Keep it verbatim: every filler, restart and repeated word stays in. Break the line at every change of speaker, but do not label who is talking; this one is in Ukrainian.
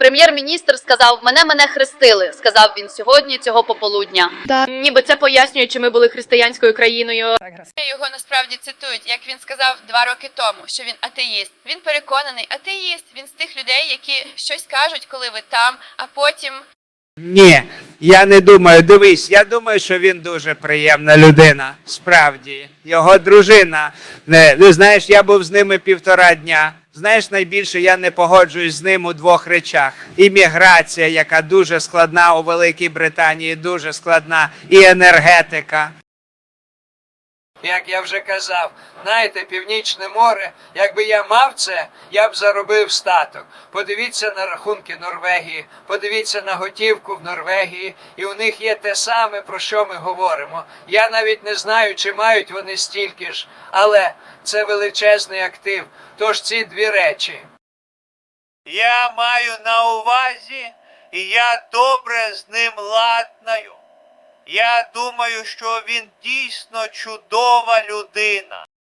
Прем'єр-міністр сказав, мене мене хрестили, сказав він сьогодні, цього пополудня.
Да.
Ніби це пояснює, чи ми були християнською країною.
Його насправді цитують, як він сказав два роки тому, що він атеїст. Він переконаний атеїст, він з тих людей, які щось кажуть, коли ви там, а потім...
Ні, я не думаю. Дивись, я думаю, що він дуже приємна людина. Справді. Його дружина. Не, ну, знаєш, я був з ними півтора дня. Знаєш, найбільше я не погоджуюсь з ним у двох речах. Імміграція, яка дуже складна у Великій Британії, дуже складна, і енергетика.
Як я вже казав, знаєте, Північне море, якби я мав це, я б заробив статок. Подивіться на рахунки Норвегії, подивіться на готівку в Норвегії, і у них є те саме, про що ми говоримо. Я навіть не знаю, чи мають вони стільки ж, але це величезний актив. Тож ці дві речі.
Я маю на увазі, і я добре з ним ладнаю. Я думаю, що він дійсно чудова людина.